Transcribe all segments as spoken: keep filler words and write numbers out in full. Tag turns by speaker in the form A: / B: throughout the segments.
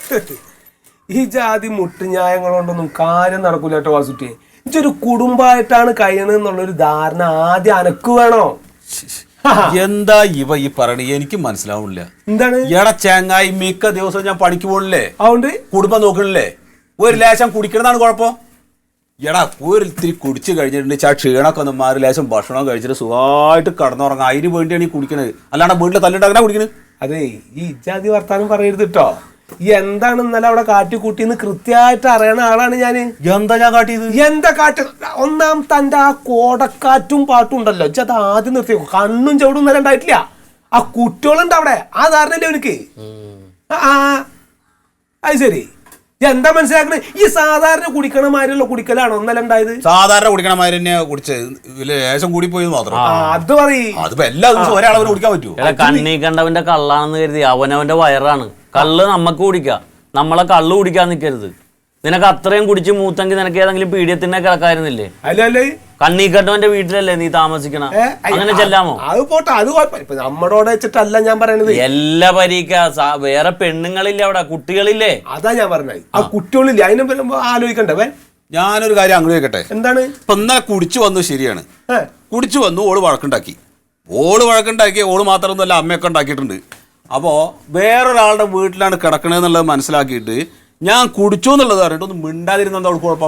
A: ഈ ജാതി മുട്ടുന്യായങ്ങൾ കൊണ്ടൊന്നും കാര്യം നടക്കൂല കേട്ടോ വാസുട്ടിയെ. ഇതൊരു കുടുംബമായിട്ടാണ് കഴിയണെന്നുള്ളൊരു ധാരണ ആദ്യം അനക്ക് വേണോ?
B: എന്താ ഇവ ഈ പറയണ എനിക്ക് മനസ്സിലാവില്ല.
A: എന്താണ്
B: എടാ ചങ്ങായി, മിക്ക ദിവസവും ഞാൻ പണിക്ക് പോകണില്ലേ,
A: അതുകൊണ്ട്
B: കുടുംബം നോക്കണില്ലേ, ഒരു ലേശം കുടിക്കണതാണ് കുഴപ്പം. എടാ ഒരു ഇത്തിരി കുടിച്ച് കഴിഞ്ഞിട്ടുണ്ടെങ്കിൽ ആ ക്ഷീണമൊക്കെ ഒന്ന് മാറി ലേശം ഭക്ഷണം കഴിച്ചിട്ട് സുഖമായിട്ട് കടന്നുറങ്ങാം. അതിന് വേണ്ടിയാണ് ഈ കുടിക്കണത്, അല്ലാണ്ട് വീട്ടിൽ തല്ലുണ്ടാക്കണ കുടിക്കണത്.
A: അതെ, ഈ ഇജാതി വർത്താനം പറയരുത് കേട്ടോ. ഈ എന്താണ് ഇന്നലെ അവിടെ കാട്ടിക്കൂട്ടിന്ന് കൃത്യമായിട്ട് അറിയണ ആളാണ് ഞാന്.
B: എന്താ ഞാൻ കാട്ടിയത്?
A: എന്താ കാറ്റ്? ഒന്നാം തന്റെ ആ കോടക്കാറ്റും പാട്ടും ഉണ്ടല്ലോ, ഇജ്ജത് ആദ്യം നിർത്തി. കണ്ണും ചവിടും ഇന്നലെ ഉണ്ടായിട്ടില്ല. ആ കുട്ടികളുണ്ട് അവിടെ, ആ ധാരണല്ലേ എനിക്ക്. ആ അത് ശരി. എന്താ മനസ്സിലാക്കണേ? ഈ സാധാരണ കുടിക്കണ മാതിരിയുള്ള കുടിക്കലാണോ ഇന്നലെ ഉണ്ടായത്?
B: സാധാരണ കുടിക്കണ മാതിരി തന്നെ കുടിച്ചത്, ലേശം കൂടി പോയി മാത്രം.
A: അത് പറയും.
B: അതിപ്പോ എല്ലാ ദിവസവും ഒരാളവന് കുടിക്കാൻ പറ്റുമോ?
C: കണ്ണീ കണ്ടവന്റെ കള്ളാണെന്ന് കരുതി അവനവന്റെ വയറാണ്. കള്ള് നമ്മക്ക് കുടിക്കാം, നമ്മളെ കള്ള് കുടിക്കാൻ നിൽക്കരുത്. നിനക്ക് അത്രയും കുടിച്ച് മൂത്തെങ്കിൽ നിനക്ക് ഏതെങ്കിലും പീഡിയത്തിനെ കിടക്കായിരുന്നില്ലേ?
A: അല്ലല്ലേ,
C: കണ്ണീ കണ്ടവന്റെ വീട്ടിലല്ലേ നീ താമസിക്കണ? അങ്ങനെ ചെല്ലാമോ?
A: അത് പോട്ടെ, അത് കുഴപ്പമില്ല. നമ്മടോടെ വെച്ചിട്ടല്ല ഞാൻ പറയണത്.
C: എല്ലാ പരീക്ക വേറെ പെണ്ണുങ്ങളില്ലേ അവിടെ, കുട്ടികളില്ലേ?
A: അതാ ഞാൻ പറഞ്ഞത്. ആ കുട്ടികളില്ലേ, അതിനെ ആലോചിക്കണ്ടേ?
B: ഞാനൊരു കാര്യം അങ്ങോട്ട് കേൾക്കട്ടെ.
A: എന്താണ്?
B: ഇപ്പൊ ഇന്നലെ കുടിച്ചു വന്നു, ശരിയാണ്, കുടിച്ചു വന്നു, ഓള് വഴക്കുണ്ടാക്കി. ഓള് വഴക്കുണ്ടാക്കി, ഓള് മാത്രമൊന്നുമല്ല അമ്മയൊക്കെ ഉണ്ടാക്കിയിട്ടുണ്ട്. അപ്പോ വേറൊരാളുടെ വീട്ടിലാണ് കിടക്കണെന്നുള്ളത് മനസ്സിലാക്കിയിട്ട് ഞാൻ കുടിച്ചു എന്നുള്ളത് പറഞ്ഞിട്ട് ഒന്ന് മിണ്ടാതിരുന്ന എന്താ കുഴപ്പം?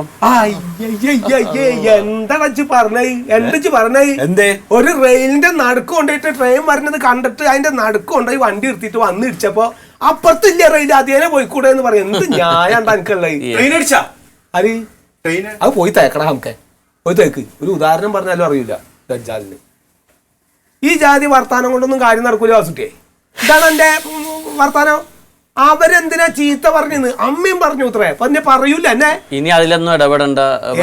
A: എന്താ പറഞ്ഞേ? എന്താ പറഞ്ഞേ?
B: എന്തേ?
A: ഒരു റെയിലിന്റെ നടുക്ക് കൊണ്ടുപോയിട്ട് ട്രെയിൻ വരുന്നത് കണ്ടിട്ട് അതിന്റെ നടുക്ക് കൊണ്ടുപോയി വണ്ടി എടുത്തിട്ട് വന്ന് ഇടിച്ചപ്പോ അപ്പുറത്തില്ല റെയിൽ, അതേനെ പോയിക്കൂടെ എന്ന് പറയാം. എന്ത് ന്യായം എനിക്കുള്ളത്?
B: ട്രെയിൻ അടിച്ചാ
A: അത് അത് പോയി തേക്കടാ. നമുക്ക് പോയി തേക്ക്. ഒരു ഉദാഹരണം പറഞ്ഞാലും അറിയില്ല ദജ്ജാലിന്. ഈ ജാതി വർത്താനം കൊണ്ടൊന്നും കാര്യം നടക്കൂല വാസുട്ടിയെ. ഇതാണ് എന്റെ വർത്താനം. അവരെന്തിനാ ചീത്ത പറഞ്ഞത്? അമ്മയും പറഞ്ഞു ഇത്രേ പറഞ്ഞ പറയൂല എന്നെ.
C: ഇനി അതിലൊന്നും ഇടപെടണ്ട,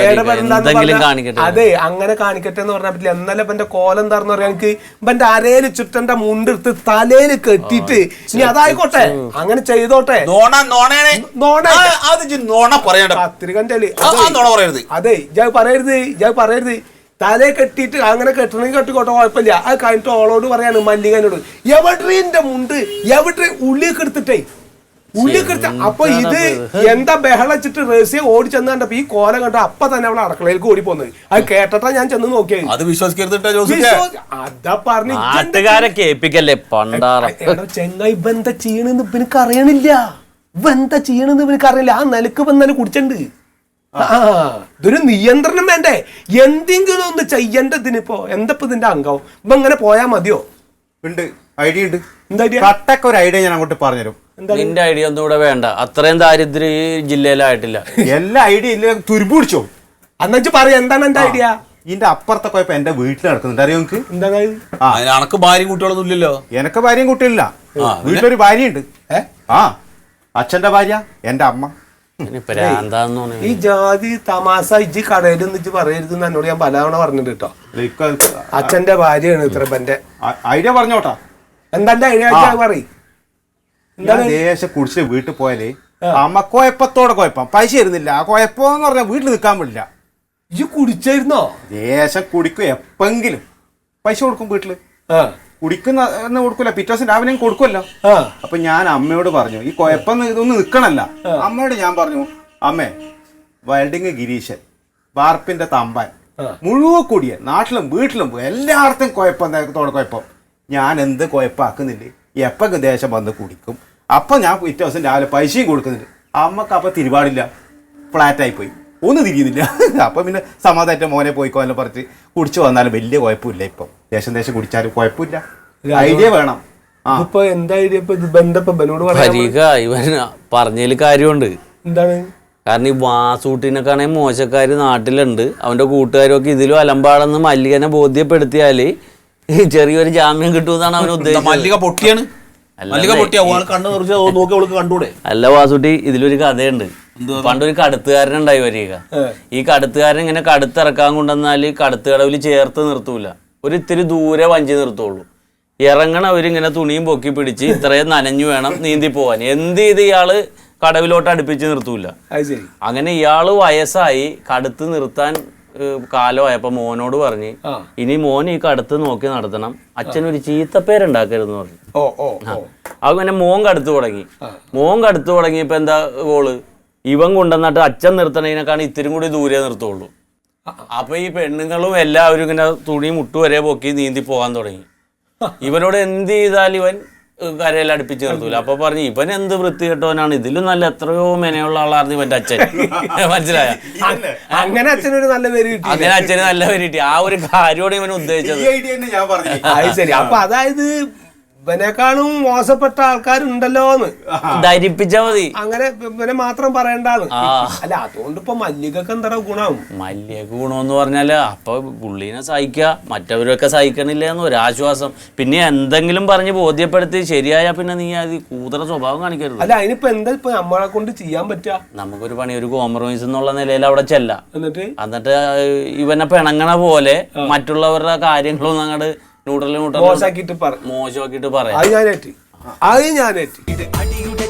A: അതെ അങ്ങനെ കാണിക്കട്ടെ എന്ന് പറഞ്ഞാൽ പറ്റില്ല. എന്നാലും ഇവന്റെ കോലം എന്താന്ന് പറയാൻ എനിക്ക് ഇവന്റെ അരയില് ചുറ്റന്റെ മുണ്ടെടുത്ത് തലയില് കെട്ടിയിട്ട് ഇനി അതായിക്കോട്ടെ, അങ്ങനെ ചെയ്തോട്ടെ. അതെ, ഞാൻ പറയരുത്, ഞാൻ പറയരുത്. തലയെ കെട്ടിയിട്ട് അങ്ങനെ കെട്ടണമെങ്കിൽ കെട്ടിക്കോട്ടെ, കുഴപ്പമില്ല. അത് കഴിഞ്ഞിട്ട് ഓളോട് പറയാണ്, മല്ലികനോട്, എവിടെന്റെ മുണ്ട് എവിടെ ഉള്ളിയൊക്കെ എടുത്തിട്ടേ ഉള്ളിയൊക്കെ എടുത്ത. അപ്പൊ ഇത് എന്താ ബഹളച്ചിട്ട് റേസിയെ ഓടി ചെന്ന് കണ്ടപ്പോ ഈ കോലം കണ്ട അപ്പൊ തന്നെ അവളെ അടുക്കളയിലേക്ക് ഓടി പോന്നത്. അത് കേട്ടിട്ടാ ഞാൻ ചെന്ന് നോക്കിയത്.
B: അത് വിശ്വസിക്കരുത്.
A: അതാ പറഞ്ഞു
C: ചെങ്ങായി
A: ബന്ധ ചെയ്യണെന്ന് ഇവനക്ക് അറിയണില്ല. ബന്ധ ചെയ്യണെന്ന് ഇവനക്ക് അറിയില്ല. ആ നിലക്ക് വന്നാലും കുടിച്ചിട്ടുണ്ട്. ആ ഇതൊരു നിയന്ത്രണം വേണ്ടേ? എന്തെങ്കിലും ഒന്ന് ചെയ്യേണ്ടതിനിപ്പോ എന്തപ്പോ ഇതിന്റെ അംഗം ഇപ്പൊ ഇങ്ങനെ പോയാ മതിയോ?
D: ഉണ്ട്, ഐഡിയ ഉണ്ട്.
A: എന്താ ഐഡിയ?
D: കട്ടക്ക് ഒരു ഐഡിയ ഞാൻ അങ്ങോട്ട് പറഞ്ഞുതരും.
C: നിന്റെ ഐഡിയ ഒന്നും ഇവിടെ വേണ്ട, അത്രയും ദാരിദ്ര്യം ഈ ജില്ലയിലായിട്ടില്ല.
D: എല്ലാ ഐഡിയ ഇല്ല, തുരുമ്പ് പിടിച്ചോ.
A: അന്നു പറയാ എന്താണ് എന്റെ ഐഡിയ?
D: ഇതിന്റെ അപ്പുറത്തെ കുഴപ്പം എന്റെ വീട്ടിൽ നടക്കുന്നുണ്ട്, അറിയോ നിങ്ങക്ക്?
A: എന്താണ്?
B: എനക്ക് ഭാര്യയും കുട്ടികളൊന്നും ഇല്ലല്ലോ.
D: എനക്ക് ഭാര്യയും കുട്ടികളില്ല. വീട്ടിലൊരു ഭാര്യയുണ്ട്. ആ അച്ഛന്റെ ഭാര്യ എന്റെ അമ്മ.
A: ഈ ജാതി തമാശ ഇജ്ജ് കടയിൽ നിന്ന് പറയരുത് എന്നോട് ഞാൻ പലതവണ പറഞ്ഞിട്ട് കേട്ടോ. അച്ഛന്റെ ഭാര്യയാണ് ഇത്ര എന്റെ
D: ഐഡിയ പറഞ്ഞോട്ടാ.
A: എന്താ ഐഡിയ പറയും?
D: ദേശം കുടിച്ച് വീട്ടിൽ പോയാലേ അമ്മ കുഴപ്പത്തോടെ കുഴപ്പം പൈസ തരുന്നില്ല. ആ കുഴപ്പമെന്ന് പറഞ്ഞാൽ വീട്ടിൽ നിൽക്കാൻ പറ്റില്ല.
A: ഇജ്ജ് കുടിച്ചായിരുന്നോ?
D: ദേശം കുടിക്കും, എപ്പെങ്കിലും പൈസ കൊടുക്കും വീട്ടില്. കുടിക്കുന്ന കൊടുക്കൂല, പിറ്റേ ദിവസം രാവിലെ കൊടുക്കുമല്ലോ. അപ്പൊ ഞാൻ അമ്മയോട് പറഞ്ഞു, ഈ കുഴപ്പം ഇതൊന്നും നിക്കണല്ല. അമ്മയോട് ഞാൻ പറഞ്ഞു, അമ്മേ വെൽഡിങ് ഗിരീശൻ, വാർപ്പിന്റെ തമ്പാൻ, മുഴുവൻ കൂടിയ നാട്ടിലും വീട്ടിലും എല്ലായിടത്തും കുഴപ്പത്തോടെ കുഴപ്പം. ഞാൻ എന്ത് കുഴപ്പമാക്കുന്നില്ലേ? എപ്പം ദേശം വന്ന് കുടിക്കും. അപ്പൊ ഞാൻ പിറ്റേ ദിവസം രാവിലെ പൈസയും കൊടുക്കുന്നില്ല. അമ്മക്ക് അപ്പൊ തിരുപാടില്ല, ഫ്ലാറ്റായി പോയി, ഒന്നും തിരിയുന്നില്ല. അപ്പൊ പിന്നെ സമാധാനത്തെ മോനെ പോയിക്കോ എന്ന് പറഞ്ഞ് കുടിച്ചു വന്നാലും വലിയ കുഴപ്പമില്ല. ഇപ്പം ദേശം ദേശം കുടിച്ചാലും കുഴപ്പമില്ല. ഐഡിയ വേണം.
A: ഇപ്പൊ എന്താ ഐഡിയ?
C: ഇവൻ പറഞ്ഞതിൽ കാര്യമുണ്ട്.
A: എന്താണ്?
C: കാരണം ഈ വാസൂട്ടിനൊക്കെയാണെങ്കിൽ മോശക്കാര് നാട്ടിലുണ്ട്. അവന്റെ കൂട്ടുകാരൊക്കെ ഇതിലും അലമ്പാടെന്ന് മല്ലികനെ ബോധ്യപ്പെടുത്തിയാല് ചെറിയൊരു ജാമ്യം കിട്ടുമെന്നാണ് അവൻ ഉദ്ദേശിച്ചത്.
B: മല്ലിക പൊട്ടിയാണ്.
C: അല്ല വാസുട്ടി, ഇതിലൊരു കഥയുണ്ട്. പണ്ടൊരു കടുത്തുകാരനുണ്ടായി വരിക. ഈ കടുത്തുകാരൻ ഇങ്ങനെ കടുത്തിറക്കാൻ കൊണ്ടുവന്നാല് കടുത്തുകടവിൽ ചേർത്ത് നിർത്തൂല, ഒരു ഇത്തിരി ദൂരെ വഞ്ചി നിർത്തുള്ളൂ. ഇറങ്ങണ അവരിങ്ങനെ തുണിയും പൊക്കി പിടിച്ച് ഇത്രയും നനഞ്ഞു വേണം നീന്തി പോവാൻ. എന്ത് ചെയ്ത് ഇയാള് കടവിലോട്ട് അടുപ്പിച്ച് നിർത്തൂല. അങ്ങനെ ഇയാള് വയസ്സായി, കടുത്ത് നിർത്താൻ കാലമായപ്പോ മോനോട് പറഞ്ഞ് ഇനി മോൻ ഈ കടുത്ത് നോക്കി നടത്തണം, അച്ഛനൊരു ചീത്തപ്പേരുണ്ടാക്കരുതെന്ന് പറഞ്ഞു.
A: ഓ ഓ
C: അങ്ങനെ മോൻ കടുത്ത് തുടങ്ങി. മോൻ കടുത്ത് തുടങ്ങിയപ്പോ എന്താ ഗോള്, ഇവൻ കൊണ്ടുവന്നിട്ട് അച്ഛൻ നിർത്തണതിനേക്കാണ് ഇത്തിരി കൂടി ദൂരെ നിർത്തുള്ളൂ. അപ്പൊ ഈ പെണ്ണുങ്ങളും എല്ലാവരും ഇങ്ങനെ തുണി മുട്ടു വരെ പൊക്കി നീന്തി പോകാൻ തുടങ്ങി. ഇവനോട് എന്ത് ചെയ്താലും ഇവൻ കരയിൽ അടുപ്പിച്ച് നിർത്തൂല. അപ്പൊ പറഞ്ഞു ഇവൻ എന്ത് വൃത്തി കെട്ടവനാണ്, ഇതിലും നല്ല എത്രയോ മെനയുള്ള ആളായിരുന്നു ഇവന്റെ അച്ഛൻ. മനസ്സിലായ?
A: അങ്ങനെ അച്ഛനൊരു നല്ല പേര് കിട്ടി.
C: അങ്ങനെ അച്ഛന് നല്ല പേര് കിട്ടി. ആ ഒരു കാര്യമാണ് ഇവൻ ഉദ്ദേശിച്ചത്.
A: അത് ശരി. അപ്പൊ അതായത് ഇവനെക്കാളും മോശപ്പെട്ട ആൾക്കാരുണ്ടല്ലോ എന്ന്
C: ധരിപ്പിച്ചാ മതി.
A: അങ്ങനെ ഇവനെ മാത്രം പറയണ്ടാന്ന്. അല്ല അതുകൊണ്ട് ഇപ്പൊ മല്ലികക്ക് എന്താ ഗുണം?
C: മല്ലിക ഗുണമെന്ന് പറഞ്ഞാല് അപ്പൊ പുള്ളീനെ സഹിക്കുക, മറ്റവരൊക്കെ സഹിക്കണില്ല എന്ന് ഒരാശ്വാസം. പിന്നെ എന്തെങ്കിലും പറഞ്ഞ് ബോധ്യപ്പെടുത്തി ശരിയായ പിന്നെ നീ അത് കൂതറ സ്വഭാവം കാണിക്കരുത്.
A: അല്ല അതിനിപ്പോ എന്താ ഇപ്പൊ നമ്മളെ കൊണ്ട് ചെയ്യാൻ പറ്റുക? നമുക്കൊരു
C: പണി, ഒരു കോംപ്രമൈസ് എന്നുള്ള നിലയിൽ അവിടെ ചെല്ലാം.
A: എന്നിട്ട്
C: എന്നിട്ട് ഇവനെ പിണങ്ങണ പോലെ മറ്റുള്ളവരുടെ കാര്യങ്ങളൊന്നും അങ്ങോട്ട് ന്യൂട്രൽ ന്യൂട്രൽ
A: മോശമാക്കിട്ട്
C: മോശമാക്കിയിട്ട് പറയാം.
A: അത് ഞാനേറ്റ് അത് ഞാനേറ്റ്